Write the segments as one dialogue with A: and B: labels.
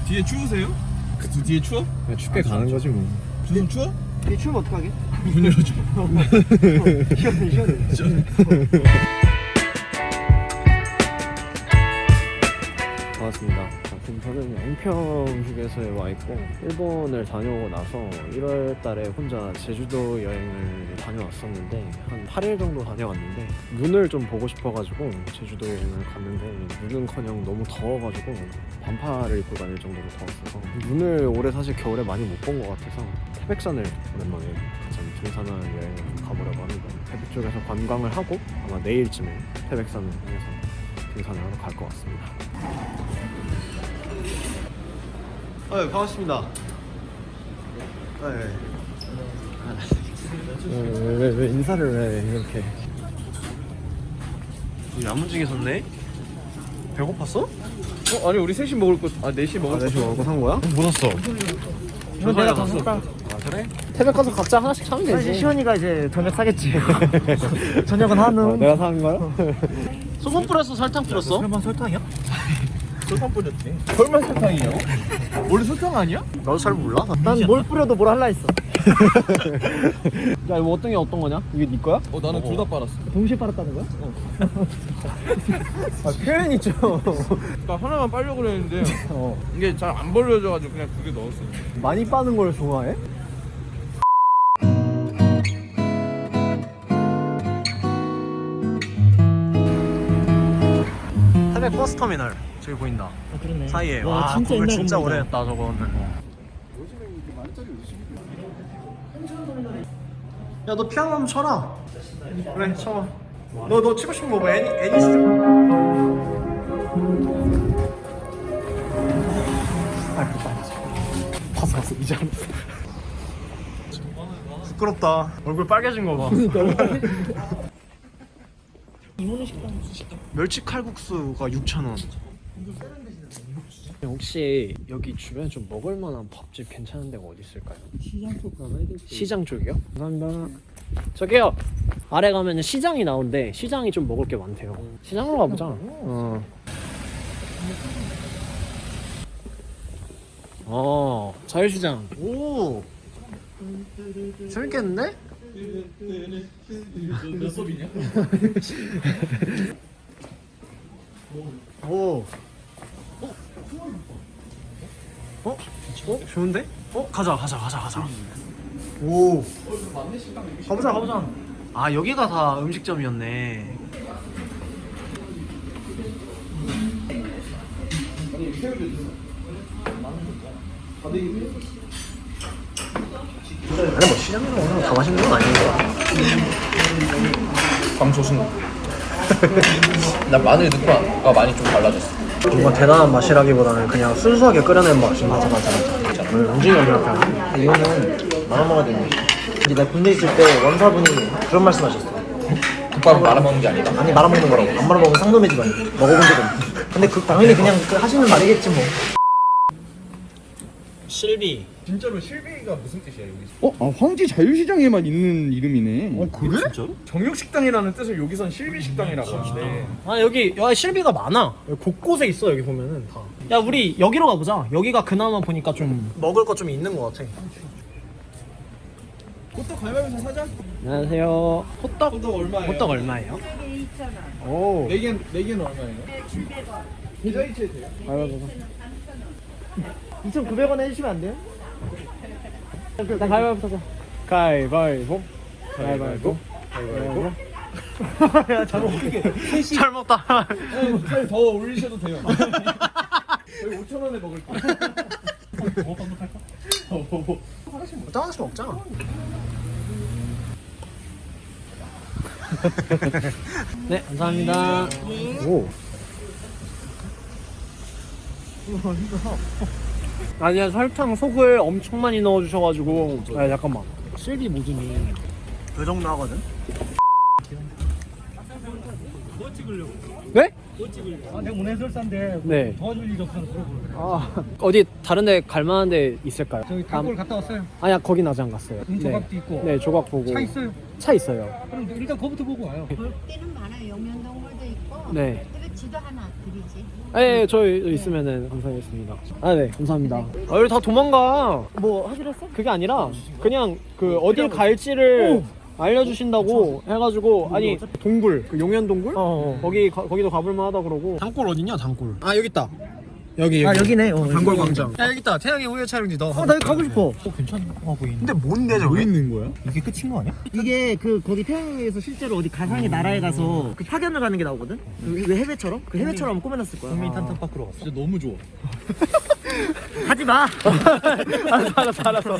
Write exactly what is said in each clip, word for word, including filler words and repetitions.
A: 뒤에 추우세요? 그 뒤에 추워?
B: 그냥 춥게 가는 거지 뭐.
A: 좀 추워?
C: 이 추우면 어떡하게?
A: 문 열어줘.
C: 시원해 시원해.
B: 반갑습니다. 지금 저는 양평 휴게소에 와 있고 일본을 다녀오고 나서 일월 달에 혼자 제주도 여행을 다녀왔었는데 한 팔 일 정도 다녀왔는데 눈을 좀 보고 싶어가지고 제주도 여행을 갔는데 눈은커녕 너무 더워가지고 반팔을 입고 다닐 정도로 더웠어서 눈을 올해 사실 겨울에 많이 못 본 것 같아서 태백산을 오랜만에 좀 등산하는 여행을 좀 가보려고 합니다. 태백 쪽에서 관광을 하고 아마 내일쯤에 태백산을 향해서 등산을 하러 갈 것 같습니다. 어, 반갑습니다. 네. 왜, 왜, 왜 인사를 왜 이렇게 야무지게 섰네? 배고팠어?
A: 어 아니 우리 셋이 먹을 거, 아 넷이 먹을
B: 아, 내시 먹고 산 거야?
A: 뭐 샀어?
B: 저
C: 내가
B: 다
C: 샀다.
B: 아 그래? 태백 가서 각자 하나씩 사면
C: 사실
B: 되지.
C: 시원이가 이제 저녁 사겠지. 저녁은 한우.
B: 어, 내가 사는 거야? 소금 뿌렸어? 설탕 뿌렸어?
C: 설마 설탕이야?
A: 설탕 뿌렸지. 설마 설탕이요? 원래 설탕 아니야?
B: 나도 잘 몰라.
C: 난 뭘 뿌려도 뭘 할라 했어.
B: 야 이거 어떤 게 어떤 거냐? 이게 네 거야?
A: 어 나는 둘 다 빨았어.
C: 동시에 빨았다는 거야?
B: 아 표현 있죠.
A: 나 하나만 빨려고 그랬는데
B: 어.
A: 이게 잘 안 벌려져가지고 그냥 두 개 넣었어.
B: 많이 빠는 걸 좋아해? 태백 버스터미널 저기 보인다.
C: 아 그러네.
B: 사이에.
C: 와,
B: 와
C: 진짜
B: 건물
C: 옛날
B: 진짜
C: 건물이다.
B: 오래됐다 저거는. 야 너 피아노 한번 쳐라. 그래 쳐. 너 너 치고 싶은 거 뭐 애니 애니 스. 아 그거 봤어 봤어 이제 알았어. 부끄럽다. 얼굴 빨개진 거 봐.
C: 이모네 식당.
B: 멸치 칼국수가 육천 원. 혹시 여기 주변에 좀 먹을 만한 밥집 괜찮은 데가 어디 있을까요?
C: 시장 쪽 가봐야 될 거.
B: 시장 쪽이요? 감사합니다. 저기요. 아래 가면 시장이 나온대. 시장이 좀 먹을 게 많대요. 시장으로 가보자. 어. 어, 자유시장. 오. 재밌겠는데?
A: 몇 섭이냐?
B: 오. 어? 어? 어? 좋은데? 어? 가자, 가자, 가자, 가자. 오. 가보자, 가보자. 아, 여기가 다 음식점이었네. 아니 뭐 시장에서 오는 거 다 맛있는 건 아닌데.
A: 광소순. 난 마늘 넣고 아까 많이 좀 달라졌어.
B: 뭔가 대단한 맛이라기보다는 그냥 순수하게 끓여낸 맛인 것 같아. 맞아, 맞아. 움직이면 그렇게.
C: 이거는 말아 먹어야 되네. 근데 내가 군대 있을 때 원사분이 그런 말씀하셨어.
A: 국밥 말아 먹는 게 아니다.
C: 아니 말아 먹는 거라고. 안 말아 먹으면 상놈의 집안이. 먹어본 적은. 근데 그 당연히 그냥 그 하시는 말이겠지 뭐.
B: 실비.
A: 진짜로 실비가 무슨 뜻이야 여기?
D: 어? 아 황지 자유시장에만 있는 이름이네.
B: 어 그래? 진짜로?
A: 정육식당이라는 뜻을 여기선 실비식당이라고 하는데.
B: 아 여기 여기 실비가 많아. 여기 곳곳에 있어 여기 보면은 다. 야 우리 여기로 가보자. 여기가 그나마 보니까 좀 먹을 거 좀 있는 것 같아.
A: 호떡 가위바위보 사자.
B: 안녕하세요. 호떡
A: 호떡 얼마예요?
B: 호떡 얼마예요? 오.
A: 네 개, 네 개는 얼마예요? 계좌이체 돼요?
B: 가위바위보.
C: 이천구백 원 해주시면 안 돼요?
B: 나 가위바위보 사자. 가위바위보. 가위바위보. 가위바위보.
C: 야 잘못 웃기게.
B: 잘 먹다.
A: 살 더 올리셔도 돼요. 여기 오천 원에 먹을 거. 뭐 반복할까?
B: 어떤 하나씩 먹자. 네, 감사합니다. 오. 아니야 설탕 속을 엄청 많이 넣어주셔가지고. 아 잠깐만. 실비 모듬이 그 정도 하거든. 네?
C: 아 내가 오늘 해설사인데
B: 네.
C: 도와줄 일이 없어서 그러고.
B: 아 어디 다른데 갈 만한 데 있을까요?
C: 저기 단골 갔다 왔어요.
B: 아니야 거긴 아직 안 갔어요.
C: 음, 조각도 있고.
B: 네 조각 보고.
C: 차 있어요.
B: 차 있어요.
C: 그럼 일단 거부터 보고 와요.
E: 볼 때는 많아요. 영면동굴도 있고
B: 네.
E: 태백 지도 하나 드리지.
B: 네, 저 있으면은 감사하겠습니다. 아, 네, 감사합니다. 아, 여기 다 도망가.
C: 뭐 하기로 했어?
B: 그게 아니라 그냥 그 어딜 갈지를 알려주신다고 해가지고 아니 동굴 그 용현 동굴
C: 어.
B: 거기 가, 거기도 가볼만 하다 그러고. 단골 어딨냐 단골? 아 여기 있다. 여기 여기.
C: 아 여기네. 어,
B: 단골 광장. 야 여기 있다. 태양의 후예 촬영지 너.
C: 어, 나 여기 가고 싶어.
B: 근데 뭔데 저게?
D: 있는 거야?
A: 이게 끝인 거 아니야?
C: 이게 그 거기 태양에서 실제로 어디 가상의 나라에 가서 그 파견을 가는 게 나오거든. 그 왜 해외처럼? 그 해외처럼 꾸며놨을 거야.
A: 국민 탄탄 밖으로 갔어. 진짜 너무 좋아.
C: 가지 마.
B: 알았어 알았어 알았어.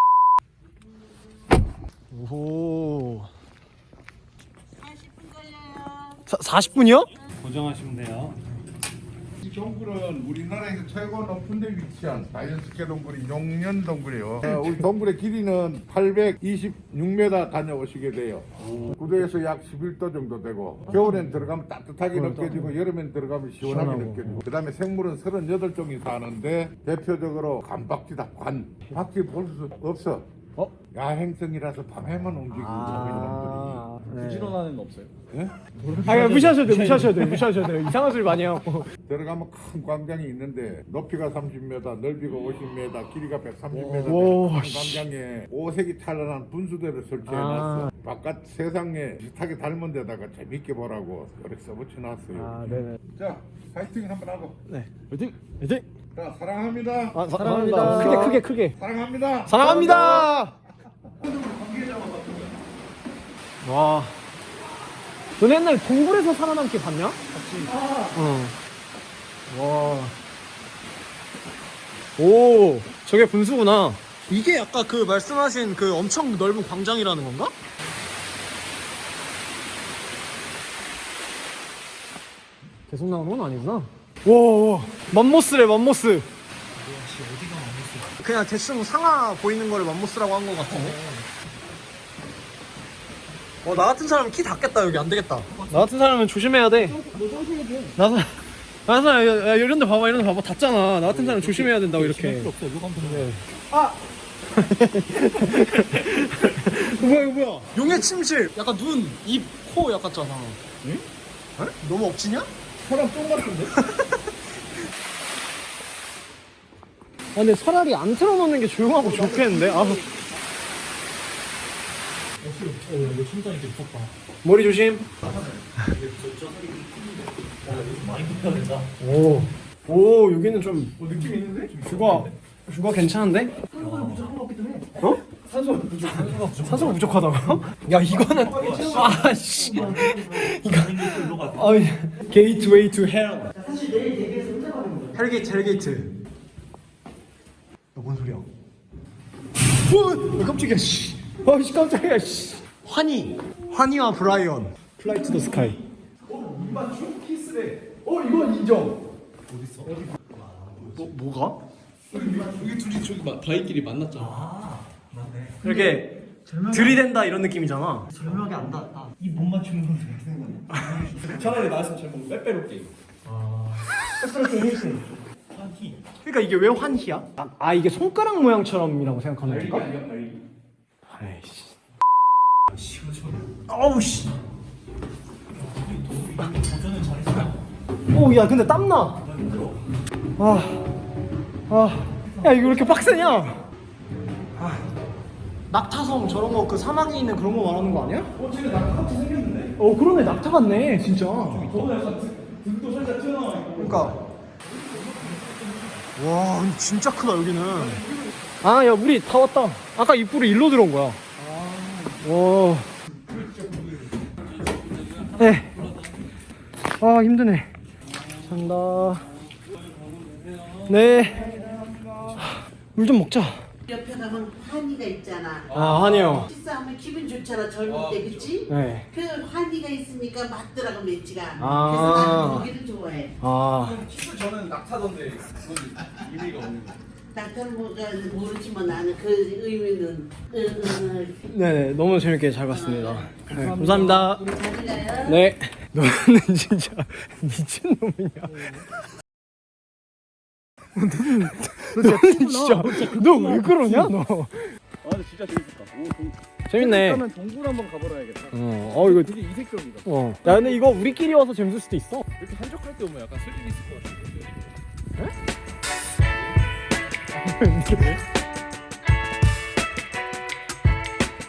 B: 오.
E: 사십 분 걸려요.
B: 사십 분이요?
F: 고정하시면 돼요.
G: 이 동굴은 우리나라에서 최고 높은 데 위치한 자연스케 동굴이 용년 동굴이에요. 어, 우리 동굴의 길이는 팔백이십육 미터 다녀오시게 돼요. 구도에서 약 십일 도 정도 되고 겨울엔 들어가면 따뜻하게 느껴지고 여름엔 들어가면 시원하게 느껴지고 그 다음에 생물은 서른여덟 종이 사는데 대표적으로 관박쥐다. 관. 박쥐 볼 수 없어.
B: 어?
G: 야행성이라서 밤에만 움직이는
B: 아,
G: 놈들이.
A: 부지런한 애는 없어요.
G: 예?
B: 아 그냥 무시하셔도 돼요 무시하셔도 돼요 무시하셔도 돼요 이상한 소리 많이 해갖고.
G: 들어가면 큰 광장이 있는데 높이가 삼십 미터, 넓이가 오십 미터, 길이가 백삼십 미터
B: 오,
G: 큰
B: 씨.
G: 광장에 오색이 찬란한 분수대를 설치해놨어.
B: 아.
G: 바깥 세상에 비슷하게 닮은 데다가 재밌게 보라고 그렇게 써붙여놨어요.
B: 아 네네.
G: 자, 파이팅 한번 하고.
B: 네. 화이팅! 화이팅!
G: 자, 사랑합니다.
B: 아, 사,
C: 사랑합니다.
B: 크게 크게 크게.
G: 사랑합니다.
B: 사랑합니다. 와. 너네 옛날 동굴에서 살아남기 봤냐? 같이. 어. 와. 오, 저게 분수구나. 이게 아까 그 말씀하신 그 엄청 넓은 광장이라는 건가? 계속 나오는 건 아니구나. 와, 와. 맘모스래, 맘모스. 그냥 대충 상하 보이는 거를 맘모스라고 한 것 같은데. 어, 나 같은 사람은 키 닿겠다. 여기 안 되겠다. 나 같은 사람은 조심해야 돼. 나 사, 나 사람 야, 야, 이런 데 봐봐, 이런 데 봐봐. 닿잖아. 나 같은 사람 조심해야 된다고 이렇게. 아! 뭐야 이거 뭐야? 용의 침실. 약간 눈, 입, 코 약같잖아. 응? 에? 너무 억지냐?
A: 사람 똥 같은데?
B: 아, 근데 차라리 안 틀어놓는 게 조용하고 좋겠는데? 아.
A: 이거 천장이 되게 무섭다.
B: 머리 조심.
A: 많이 불편하다.
B: 오. 오, 여기는 좀
A: 어, 느낌 있는데?
B: 뷰가, 뷰가 괜찮은데? 어?
A: 산소가 부족. 산소가 부족.
B: 산소가 부족하다고? 야, 이거는. 아, 씨. 이거. 아, 게이트웨이 투 헬. 헬게이트, 헬게이트. 야, 뭔 소리야? 오! 깜짝이야, 씨. 아, 씨, 깜짝이야, 씨. 환희. 환희와 브라이언. 플라이 투 더 스카이.
A: 어, 이맞춤 키스래. 어, 이건 인정. 어딨어? 어디?
B: 뭐, 뭐가?
A: 여기 둘이 저기 막 다이끼리 만났잖아. 아, 맞네.
B: 이렇게 들이댄다 이런 느낌이잖아.
C: 절묘하게 안 닿았다.
A: 이못 맞추는 건 되게 생각나. 차라리 나였으면 잘 먹는 빼빼로 게임. 한키.
B: 그러니까 이게 왜 환희야? 아, 아 이게 손가락 모양처럼이라고 생각하는
A: 날개
B: 건가?
A: 아니야 날개.
B: 아이씨.
A: 시원시원해.
B: 어우 씨.
A: 도전은 잘했어.
B: 오, 야 근데 땀나. 아, 아, 야 이거 왜 이렇게 빡세냐? 아, 낙타성 저런 거 그 사막에 있는 그런 거 말하는 거 아니야?
A: 어, 쟤네 낙타같이 생겼는데?
B: 어 그러네, 낙타 같네 진짜.
A: 저거 약간 등- 등도 살짝 튀어나와 있고.
B: 그러니까. 와, 근데 진짜 크다 여기는. 아, 야 우리 다 왔다. 아까 입구로 일로 들어온 거야. 와. 네. 아 힘드네. 간다. 네. 물 좀 먹자.
H: 옆에 가면 환희가 있잖아.
B: 아, 환희요.
H: 식사하면 기분 좋잖아, 젊을 때, 그치?
B: 네.
H: 그 환희가 있으니까 맞더라고, 매치가.
B: 아.
H: 그래서 나는 거기를 좋아해.
B: 아.
A: 키스 저는 낙타던데 그건 의미가 없는 거.
H: 낙타는 뭐가 모르지만 나는 그 의미는. 응, 응, 응.
B: 네네, 너무 재밌게 잘 봤습니다. 네, 감사합니다.
H: 우리 잘 가요.
B: 네. 너는 진짜 미친 놈이냐? 너는, 너는 진짜 너 왜 그러냐 너?
A: 아 근데 진짜 재밌겠다. 오, 동,
B: 재밌네.
A: 그러면 동굴 한번 가보라야겠다.
B: 어, 어 이거
A: 되게 이색적이다.
B: 어. 야 근데 이거 우리끼리 와서 재밌을 수도 있어.
A: 이렇게 한적할 때 오면 약간 스릴 있을 것 같은데.
B: 에?